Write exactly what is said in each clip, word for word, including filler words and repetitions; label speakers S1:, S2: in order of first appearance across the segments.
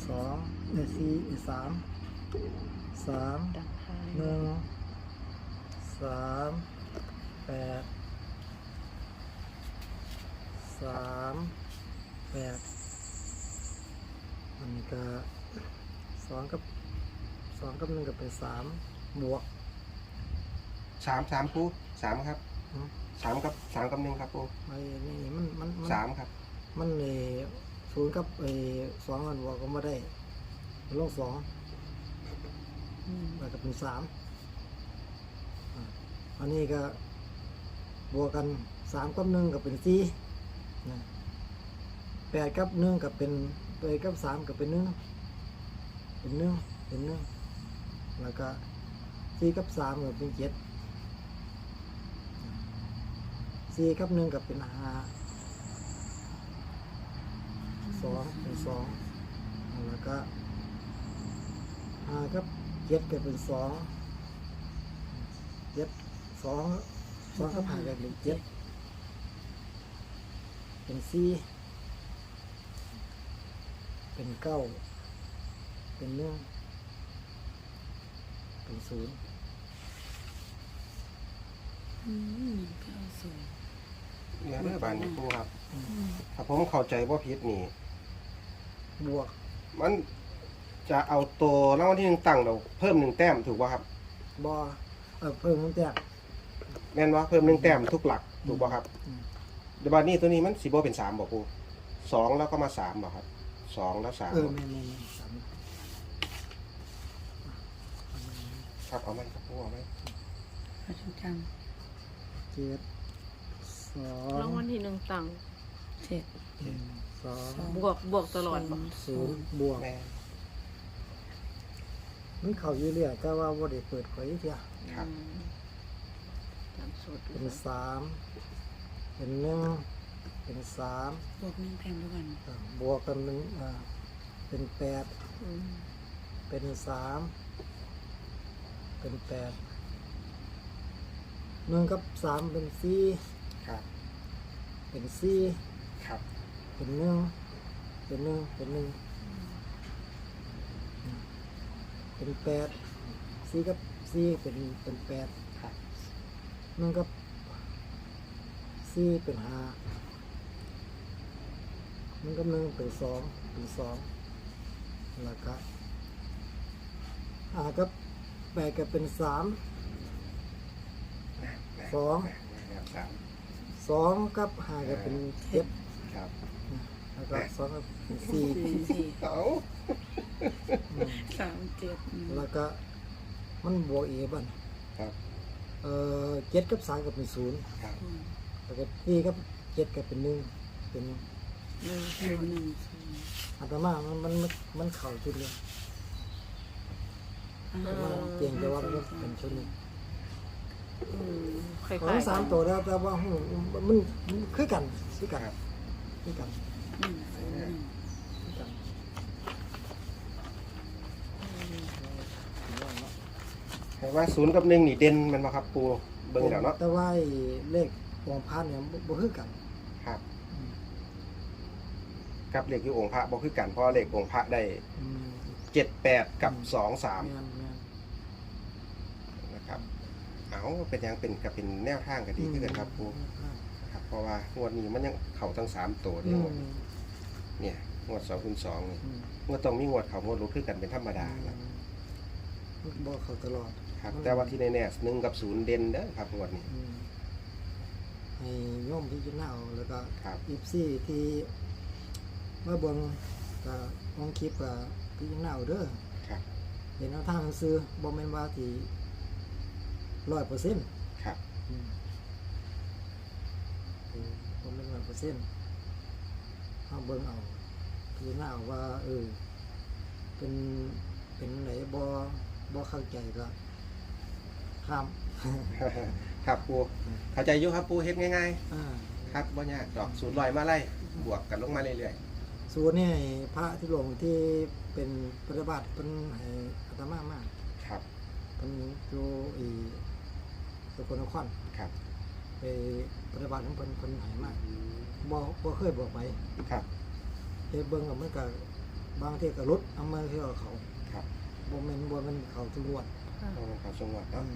S1: สองในสี่สามสามหนึ่งสามแปดสามแปดอันนี้ก็สองกับสองกับหนึ่งก็เป็นสามบวก
S2: สามสามปูสามครับ
S1: อืม
S2: สามกับสามกับหนึ่งครับปู
S1: ไอ้นี่มันมันมัน
S2: สามครับ
S1: มันเออศูนย์กับเออสองมันบวกก็ไม่ได้ลงสองแล้วก็เป็นสามอ่ะอันนี้ก็บวกกันสามกับหนึ่งก็เป็นสี่นะแปดกับหนึ่งก็เป็นแปดกับสามก็เป็นหนึ่งเป็นหนึ่งเป็นหนึ่งแล้วก็สี่กับสามก็เป็นเจ็ดสี่กับหนึ่งก็เป็นห้าสองเป็นสองแล้วก็ห้ากับเจ็ดก็เป็นสองเจ็ดสองสองกับห้าก็เป็นเจ็ดเป็นสี่เป็นเก้าเป็นหนึ่งเป็นศูนย์
S3: อืมเก้าศูนย์
S2: เนี่ยเด้อบานนี้ปูครับถ้าผมเข้าใจว่าผิดนี่
S1: บวก
S2: มันจะเอาตัวรางวัลที่หนึ่งตั้งเราเพิ่มหนึ่งแต้มถูกป่ะครับ
S1: บอเออเพิ่มตั้งแต่
S2: แม่นว่าเพิ่มหนึ่งแต้มทุกหลักถูกป่ะครับ
S1: อืม
S2: เดี๋ยวบานนี้ตัวนี้มันสีโบเป็นสามบอกปูสองแล้วก็มาสามบอกครับสองแล้วสาม
S1: เออแม่นแม่นแม่นสาม
S2: ครับเอาไหมครับปูเอาไหม
S3: พระชุจ
S1: เจ็ดสอง
S4: รางวัลที่หนึ่งตังค์
S3: ำเจ็ด
S1: หนึ่งสอง
S4: บวกบวกตลอดบ่
S1: ศูนย์บวก
S2: แม่
S1: มันเข้าอยู่เรื่อยแต่ว่าบ่ได้เปิดเผยเพีย
S2: ครับ
S4: อืมตามสูตร
S1: เป็นสามเป็นหนึ่งเป็นสาม
S3: บวกหนึ่งแพงด้วยกัน
S1: อ่าบวกกันเป็นอ่าเป็นแปด
S4: อืม
S1: เป็นสามเป็นแปดหนึ่งกับสามเป็นสี่
S2: ครับ
S1: เป็นสี่
S2: ครับ
S1: เป็นหนึ่งเป็นหนึ่งเป็นหนึ่งเป็นแปดสี่กับสี่เป็นเป็นแปด
S2: ครับ
S1: หนึ่งกับสี่เป็นห้าหนึ่งกับหนึ่งเป็นสองเป็นสองแล้วก็ห้ากับแปดก็เป็นสามสอง
S2: ครับสาม
S1: สองกับห้าก็เป็นเจ็ด
S2: ครับ
S1: แล้วก็สองก็เป็นสี่
S3: สี่สี่
S2: เอา
S1: อืม
S3: สามเจ็ดอืม
S1: แล้วก็มันบวกอีกบ้าง
S2: ครับ
S1: เอ่อเจ็ดกับสามก็เป็นศูนย์
S2: ครับ
S3: อืม
S1: แล้วก็สี่กับเจ็ดก็เป็นหนึ่งเป็น
S3: หนึ่งหนึ่งหนึ่งศูนย์
S1: อัตมามันมันมันมันเข่าชุดเลย
S3: อ่า
S1: แต่ว่าเก่งแต่ว่ามันเป็นชุดหนึง
S4: อืมคล้าย
S1: ของ
S4: ๆ
S1: สาม
S4: กัน
S1: ตัวแล้วแต่ว่าหูมันมันคือกันคือกัน
S2: ครับ
S1: คือกัน
S3: หนึ่งศูนย์หนึ่ง
S1: คือกัน
S2: เห็นว่าศูนย์กับหนึ่งนี่เด่นมันมาครับปูเบิ่งแล้วเนาะ
S1: แต่ว่าไอ้เลขวงพันเนี่ยบ่บ่คือกัน
S2: ครับ
S1: อืม
S2: กับเลขอยู่องค์พระบอกคือกันเพราะเลของค์พระได้
S1: อืม
S2: เจ็ดแปดกับสองสาม
S1: แม่นแม่น
S2: นะครับเอาเป็นยังเป็นกับเป็นแนวทางก็ดีขึ้นกันครับปูครับเพราะว่างวดนี้มันยังเข่าทั้งสามตัว
S1: อื
S2: เนี่ย
S1: ม
S2: งวดเนี่ยงวดสองคูณสองนี่
S1: อืม
S2: งวดต้องมีงวดเขางวดรู้ขึ้นกันเป็นธรรมดานะ
S1: มันบ่เข้าตลอด
S2: ครับแต่ว่าที่แน่ๆหนึ่งกับศูนย์เด่นเด้อครับงวดนี้
S1: อืมให้โยมที่จะเน่าแล้วก็
S2: ครับ
S1: อีฟซี่ที่เมื่อเบิ่งก็มองคลิปก็พี่จะเน่าเด้อ
S2: ครับ
S1: เห็นเอาทางซื้อบ่แม่นว่าที่ร้อยเปอร์เซ็นต์
S2: ครับ
S1: บ่แม่นร้อยเปอร์เซ็นต์เอาเบิ่งเอาพี่จะเน่าว่าเออเป็นเป็นไหนบ่บ่เข้าใจก็ข้าม
S2: ครับปูเข้าใจอยู่ครับปูเฮ็ดง่าย
S1: อ่า
S2: ๆครับว่ายากดอกศูนย์ลอยมาไล่บวกกันลงมาเรื่อย
S1: ส่วนนี่พระที่หลวงที่เป็นปฏิบัติเป็นให้อาตมามาก
S2: ๆครับ
S1: เป็นอยู่อีสกลนคร
S2: ครับ
S1: ไปปฏิบัติของเพิ่นเพิ่นให้มากบ่บ่เคยบอกไป
S2: ครับ
S1: เฮ็ดเบิ่งก็มันก็บางทีก็รถเอามาเที่ยวเขา
S2: ครับ
S1: บ่แม่นบ่แม่นเขาตำรวจ
S2: เพราะมันเขาจังหวัด
S1: อื
S2: เนาะ
S1: ม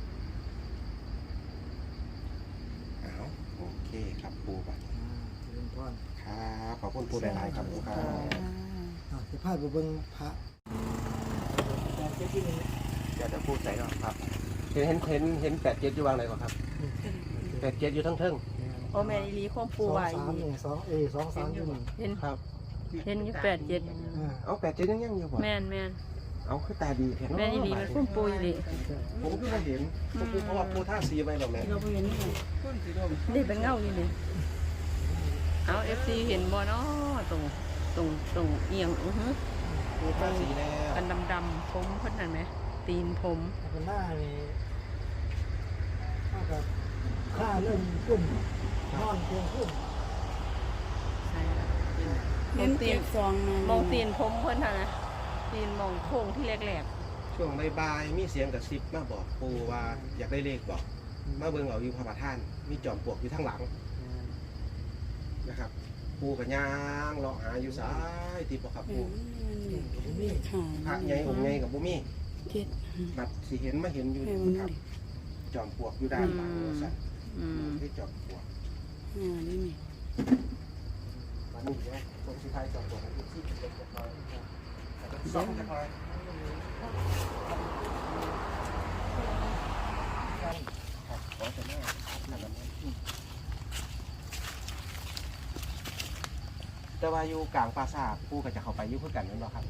S2: อ้าวโอเคครับปูบัด
S1: อ่าเจริญพร
S2: ครับขอบคุณปูหลายๆครับปูครับ
S1: อ่าสิพาไปเบิ่งพระแต่เจ้าที่นี่
S2: เดี๋ยวจะพูดใส่ก่อนครับ เห็นเห็นเห็นเห็นแปดเจ็ดอยู่วางไหนก่อนครับแปดเจ็ดอยู่ทั้งเทิง
S4: โอ้แม่อีหลีของปูไว้
S1: สองสามนี่สองเอสองสามอยู่นี่
S4: เห็น
S2: ครับ
S4: เห็นอยู่แปดเจ็ด
S1: อ่า
S2: เอาแปดเจ็ดยังยังอยู่บ่
S4: แม่นแม่น
S2: เอาคือตาดีเห็น
S4: แม่นอีหลีมันของปูอีหลี
S2: ผมก็ไม่เห็นปูเพราะว่าปูท่าสีไปหรอกแม่
S3: เราไปเห็นนี่ไง
S4: นี่เป็นเงาอยู่นี่เอาเอฟซีเห็นบ่เนาะตรงตรงตรงเอียงอือฮึ
S2: ปูท่าสีแล้ว
S4: กันดำๆผมเพิ่นนั่นไหมตีนผม
S1: แต่เป็นหน้านี่ถ้ากับค่าเริ่มขึ้นนอนเพียงขึ้น
S4: ใช่แล้ว
S3: เห็นเจ็ดสองนะ
S4: มองตีนผมเพิ่นน่ะนะตีนมองโค้งที่แหลก
S2: ช่วงบ่ายๆมีเสียงกระซิบมาบอกปูว่าอยากได้เลขบอก มาเบิ่งเอาอยู่พระประธาน มีจอมปลวกอยู่ทั้งหลังนะครับ ปูกับย่างเลาะหาอยู่ซ้ายที่บ่ครับ
S3: เอ
S2: ปู
S3: อนี่ค่ะ
S2: พระใหญ่องค์ใหญ่กับบ่มี
S3: เจ็ด
S2: บัดสิเห็นมาเห็นอยู่
S3: ให้
S2: นี่
S3: มัน
S2: ครับ
S3: ดิ
S2: จอมปลวกอยู่ด้านหลังว่าซั่น
S4: ๆอืม
S2: ที่จอมปลวก
S3: อ่านี่นี่
S2: มานี่เดี๋ยวผมสิทายจอมปลวกให้ที่เก็บจักหน่อยแล้วก็ซ่อมจักหน่อยครับขอจะแม่ครับขนาดนั้นแต่ว่าอยู่กลางปราสาทปูก็จะเข้าไปอยู่คือกันนั่นบ่ครับ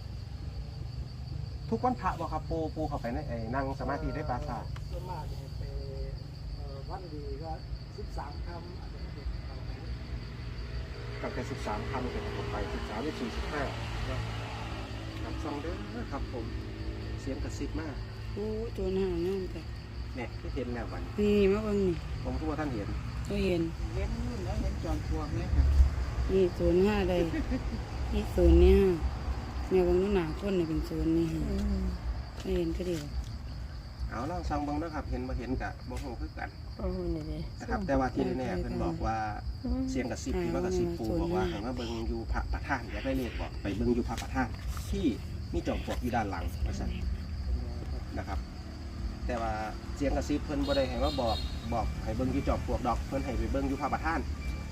S2: ทุกวันพระบ่ครับปูปูเข้าไปในไอ้นั่งสมาธิในปราสาท
S1: ส่วนมากจะไปเอ่อวันดีก็สิบสามคำอาจจะไม่ได้เข้าไป
S2: ตั้งแต่สิบสามคำเป็นเข้าไปสิบสามสิบสี่สิบห้าครับซองเด้อครับผม เสียงกระซิบมาก
S3: โอ้ตัวหน้าน้องแต่
S2: เนี่ยที่เห็นแล้ววัน
S3: นี่มาเบิ่งนี่
S2: ผมทุกว่าท่านเห็น
S3: ตัวเห็น
S5: เล่นนู่นแล้วเล่นจอมปลวกเนี่ยค่ะ
S3: นี่ศูนย์ห้าใดนี่ศูนย์นี่ห้าแม่เบางนู้นหนาคนนี่เป็นศูนย์นี่ห้าไม่เห็นก็เดียว
S2: เอาล่างซองเบังนะครับ เห็นมาเห็นกะบ่ฮู้คือกัน
S4: โอ้นี่ดิ
S2: นะครับ แต่ว่าที่แน่ๆเพิ่นบอกว่าเสียงกระซิบที่ว่ากระซิบปูบอกว่าให้มาเบิ่งอยู่พระประธานอยากได้เลขบอกไปเบิ่งอยู่พระประธานที่มีจอมปลวกอยู่ด้านหลังว่าซั่นนะครับ แต่ว่าเสียงกระซิบเพิ่นบ่ได้ให้มาบอกบอกให้เบิ่งอยู่จอมปลวกดอกเพิ่นให้ไปเบิ่งอยู่พระประธาน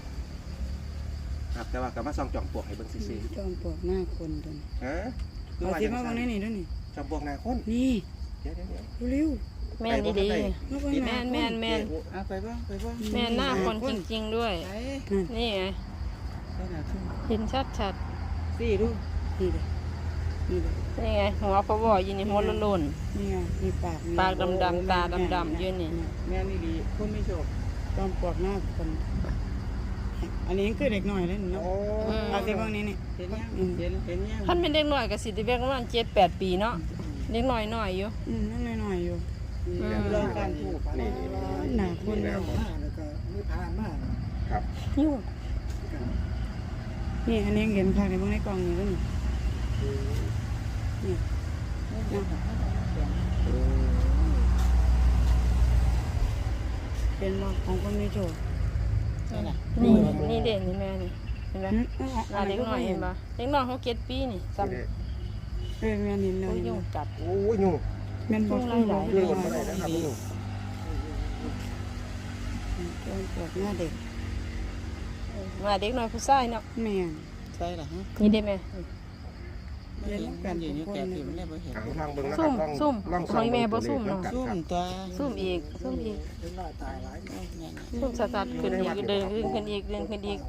S2: ครับแต่ว่าก็มาส่องจอมปลวกให้เบิ่งซื่อ
S3: จอมปลวกหน้าคนตัวนี้
S2: ๆฮะคือ
S3: เอา
S2: ว่า
S3: ที่
S2: จัง
S3: มา
S2: ซั่
S3: เบาง
S2: น
S3: นี่นี่ด้วยนี่
S2: จอมปลวกหน้าคน
S3: นี่
S2: เดี๋ยวๆๆ
S3: เร็ว
S4: แม่นอีหลี
S3: ๆมาเบิ่งห
S4: แม่
S3: น้าน
S4: แม่นแม่น
S5: เอาไปบ้างไปบ้าง
S4: แม่นหน้าคนจริง ๆ ด้วย
S5: ไหน
S4: นี่ไง
S5: ใส่หนาขึ้น
S4: เห็นชัด
S5: สี่ดู
S3: นี่เลยนี่เลย
S4: ๆนี่ไงหัวพะวออยู่นี่หัวโลน
S3: นี่ไงมีปากมี
S4: ๆปากดำๆตาดำๆอยู่นี่
S5: แม่นี่ดีคุณไม่โชค
S3: จอมปลวกหน้าคน อันนี้คือเด็กหน่อยเลยเนาะ
S2: โอ้
S3: เอาที่เบางนี้นี่
S5: เห็นยังเห็นเห็นยัง
S4: ท่านเป็นเด็กน้อยก็สิได้แบกประมาณเจ็ดแปดปีเนาะเด็กน้อยน้อยอยู่
S3: อืมนั่นหน่อยๆอยู่
S5: ลองการถูก
S2: นี่
S3: หนาคน
S2: แล้
S3: เรา
S2: ว
S1: มาแล้วก็มีพานมาก
S2: ครับ
S4: อยู่
S3: นี่อันนี้เห็นภาพในเบื้องในกล่องนี่ก็นี่นี่เป็นมาของคนมีโชค
S5: นี่แหละ
S4: นี่นี่เด่นนี่แม่นี่เห็นไหม
S3: อืม
S4: หน้าเด็กน้อยเห็นปะเด็กน้อยเขาเก็ดปีนี่จำ
S3: เออแม่นเห็นเล
S4: โอ้
S3: ย
S4: ยยุ่งจัด
S2: โอ้ยยุ่ง
S3: แม่นบอก
S4: ยุ่งหลายๆ
S2: ยุ่งมาได้นะครับยุ่ง
S3: จอมปลวกหน้าเด็ก
S4: มาเด็กน้อยผู้ชายเนาะ
S3: แม่น
S5: ใช่เหรอฮะ
S4: นี่ได้ไหม
S5: ไม่เห็นกันอยู่นี่แก่ผิวมันเลยไม่เห็น
S2: อ่างทางเบิ้งนะค
S4: ซุ่
S2: รับ
S4: ม
S2: ลอง
S4: ซุ่ม
S2: ลอง
S4: ของแม่บ่ซุ่มเนาะ
S5: ซุ่มตัว
S4: ซุ่มอีกซุ่มอีก
S1: เล็กน้อยตายหลาย
S4: ซุ่มสัดๆขึ้นอีกเดินขึ้นอีกเดินขึ้นอีก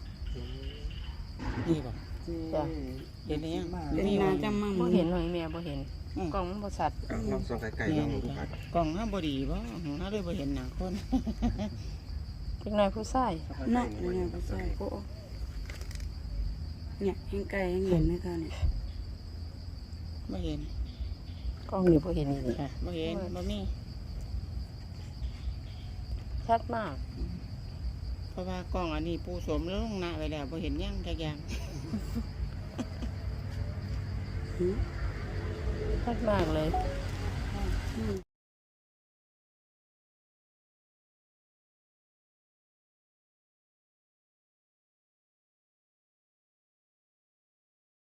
S5: นี่บอก
S4: จ้ะ
S5: เห็นยัง
S3: เป็นนาจำมั่ง
S4: บ่เห็นหน่อยแม่บ่เห็นกล้องมันบ่ชัด
S2: อ่ะลองส่องไกลๆลองดูครับ
S5: กล่องห้ามบดีบ่ห้าเลยบ่เห็นหนังคน
S4: เด็กน้อยผู้ชาย
S3: เนาะนี่ไงก็ใช่โอ้เนี่ยยังไกลยังเห็นไหมคะเนี่ย
S5: ไม่เห็น
S4: กล้องนี่บ่เห็นอีกนี่
S5: ไม่เห็นบ่มี
S4: ชัดมาก
S5: เพราะว่ากล่องอันนี้ปูสมแล้วลงหน้าไปแล้วบ่เห็นยังจักอย่าง
S3: หืม
S4: ชัดมากเลย
S3: อืม